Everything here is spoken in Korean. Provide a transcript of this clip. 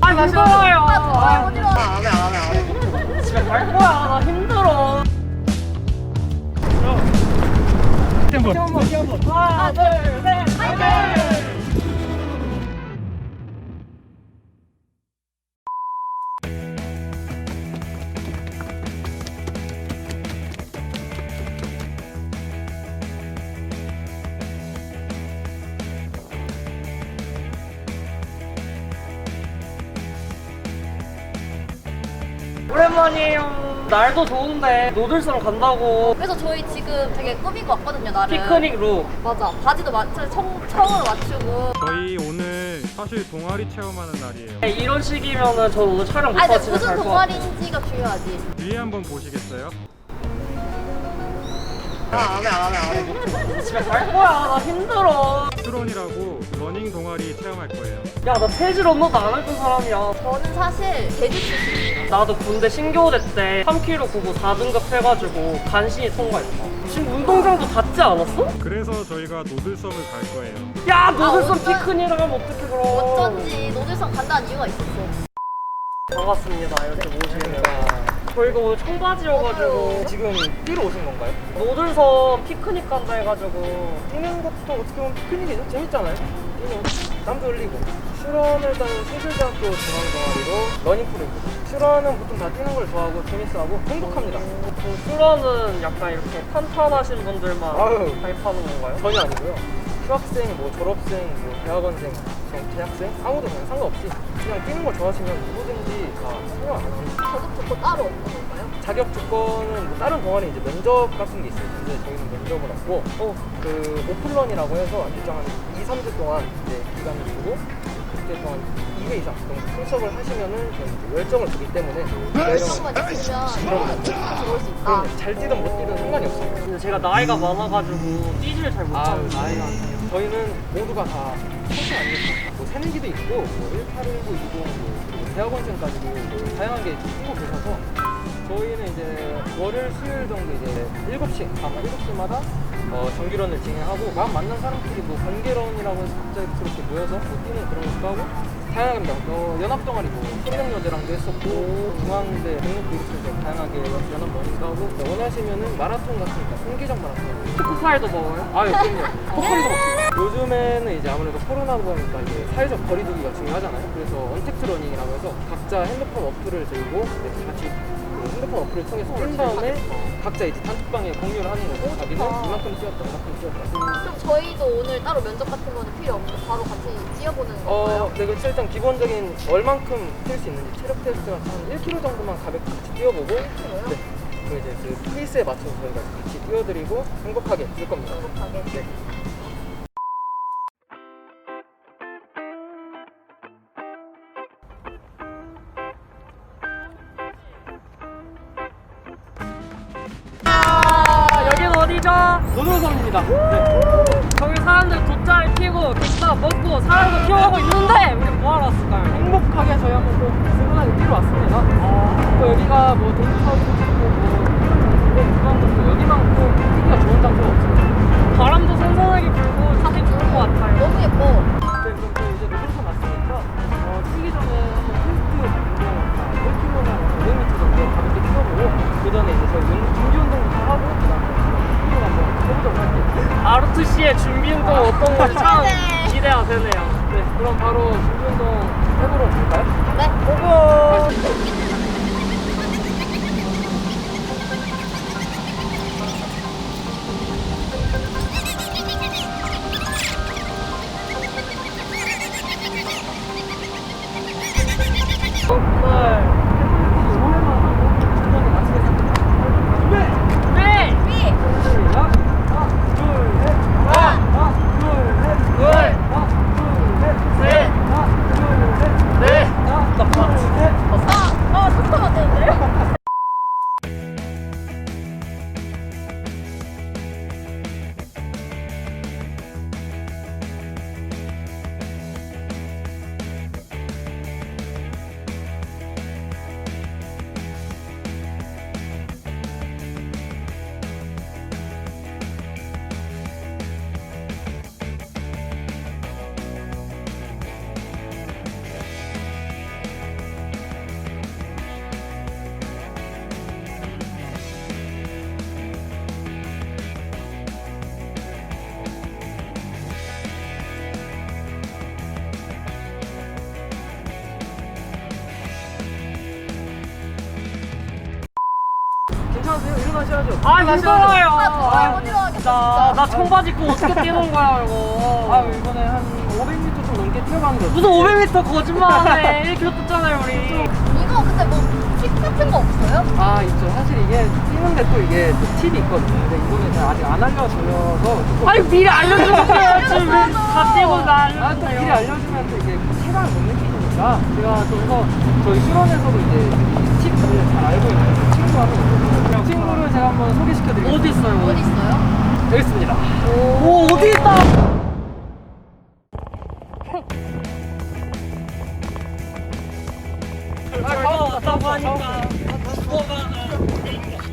힘들어요. 어디로 와? 안 해. 집에 갈 거야. 나 힘들어. 하나, 둘, 셋, 파이팅! 오랜만이에요. 날도 좋은데 노들성 간다고. 그래서 저희 지금 되게 꾸미고 왔거든요, 나를. 피크닉 룩. 맞아. 바지도 청으로 맞추고. 저희 오늘 사실 동아리 체험하는 날이에요. 이런 식이면은 저 오늘 촬영 아니, 못하고 근데 집에 무슨 갈 것 같아. 동아리인지가 중요하지. 뒤에 한번 보시겠어요? 안 해. 집에 갈 거야. 나 힘들어. 트론이라고 러닝 동아리 체험할 거예요. 야, 나 체질 언어도 안 했던 사람이야. 저는 사실 제주 출신이에요. 나도 군대 신교대 때 3kg 구고 4등급 해가지고 간신히 통과했어. 지금 운동장도 닿지 않았어? 그래서 저희가 노들섬을 갈 거예요. 야, 노들섬 어쩐- 피크닉을 하면 어떡해 그럼. 어쩐지 노들성 간다는 이유가 있었어. 반갑습니다. 이렇게 모시니까. 저희가 오늘 청바지여가지고 지금 뛰러 오신 건가요? 노들섬 피크닉 간다 해가지고. 뛰는 것도 어떻게 보면 피크닉이죠? 재밌잖아요. 뛰면 땀도 흘리고. 슈런을 다니는 세술대학교 중앙동아리로 러닝크루입니다. 슈런은 보통 다 뛰는 걸 좋아하고 재밌어하고 행복합니다. 그 슈러는 약간 이렇게 탄탄하신 분들만 아유. 가입하는 건가요? 전혀 아니고요. 휴학생, 뭐 졸업생, 뭐 대학원생, 재학생 아무도 그냥 상관없이 그냥 뛰는 걸 좋아하시면 누구든지 다 참여 안 합니다. 저도 듣고 따로 없는 건가요? 자격 조건은 뭐 다른 동아리 이제 면접 같은 게 있어요. 근데 저희는 면접을 없고 그 오픈런이라고 해서 일정한 2, 3주 동안 이제 기간을 두고 그때 동안 2회 이상 정도 참석을 하시면은 저희 이제 열정을 주기 때문에 열정만 있으면 들어올 수 있다. 잘 뛰든 못 뛰든 상관이 없어요. 근데 제가 나이가 많아가지고 뛰지를 잘 못하는데. 나이가 저희는 모두가 다 청소 아니겠습니까? 뭐 새내기도 있고 뭐 1819, 20, 뭐 그리고 대학원생까지도 다양하게 뛰고 계셔서 저희는 이제 월요일, 수요일 정도 이제 7시, 아마 7시마다 정기런을 진행하고 막 만난 사람끼리 뭐 번개런이라고 해서 갑자기 그렇게 모여서 뭐 뛰는 그런 것도 하고 다양합니다. 연합동아리 뭐 청년여대랑도 했었고 중앙대 등록도 이렇게 해서 다양하게 연합 러닝도 하고 원하시면은 마라톤 같은 거 통계적 마라톤 초코파이도 먹어요? 아, 그럼요. 코끼리도 먹습니다. 요즘에는 이제 아무래도 코로나 보니까 이제 사회적 거리두기가 중요하잖아요. 그래서 언택트 러닝이라고 해서 각자 핸드폰 어플을 들고 이제 같이 그 핸드폰 어플을 통해서 뛴 다음에 각자 이제 단톡방에 공유를 하는 거고 자기는 이만큼 뛰었다, 이만큼 뛰었다. 그럼 저희도 오늘 따로 면접 같은 거는 필요 없고 바로 같이 뛰어보는 건가요? 네, 그렇죠. 일단 기본적인 얼만큼 뛸 수 있는지 체력 테스트 같은 한 1km 정도만 가볍게 같이 뛰어보고 네. 그 이제 그 페이스에 맞춰서 저희가 같이 뛰어드리고 행복하게 뛸 겁니다. 행복하게. 네. 여긴 어디죠? 노들섬입니다. 저기 사람들 돗자리 피고 기타 먹고 사람도 키워가고 있는데 우리 뭐하러 왔을까요? 행복하게 저희 한번 또 스근하게 뛰러 왔습니다. 또 여기가 뭐 동부타워도 있고 뭐 중앙도 여기만큼 뛰기가 좋은 장소가 없습니다. 바람도 선선하게 불고 사진 좋을 것 같아요. 너무 예뻐. 네, 그럼 또 이제 노들섬 왔으니까 뛰기 전에 한번 테스트 운동 1km나 500m 정도 가볍게 뛰어보고 그 전에 이제 저희 준비 운동부터 하고 그다음에 뛰어 한번 해보도록 할게요. 아르투 씨의 준비 운동 어떤 건지 참 기대돼. 기대가 되네요. 네, 그럼 바로 준비 운동 해보러 갈까요? 네. 고고! 잠깐만 되는데요? 하셔야죠. 아 힘들어요. 못 일어나겠다, 나 청바지 입고 어떻게 뛰는 거야 이거. 아 이번에 한 500m 좀 넘게 뛰어봤는데 무슨 500m 거짓말하네. 1km 뛰었잖아요 우리. 이거 근데 뭐팁 같은 거 없어요? 아 있죠. 사실 이게 뛰는데 또 이게 또 팁이 있거든요. 근데 이거는 제가 아직 안 알려드려서 조금 아니 미리 알려주세요. 지금 다 뛰고 나 아, 또 미리 알려주세요. 알려주면 또 이게 체감을 못 느끼니까 제가 좀더 저희 수련에서도 이제 이 팁을 잘 알고 있는 친구 하나 있거든요. 그 친구를 제가 한번 소개시켜드리겠습니다. 어디 있어요? 어디 있어요? 여기 있습니다. 오 어디 있다. 아, 왔다고 하니까 죽어가는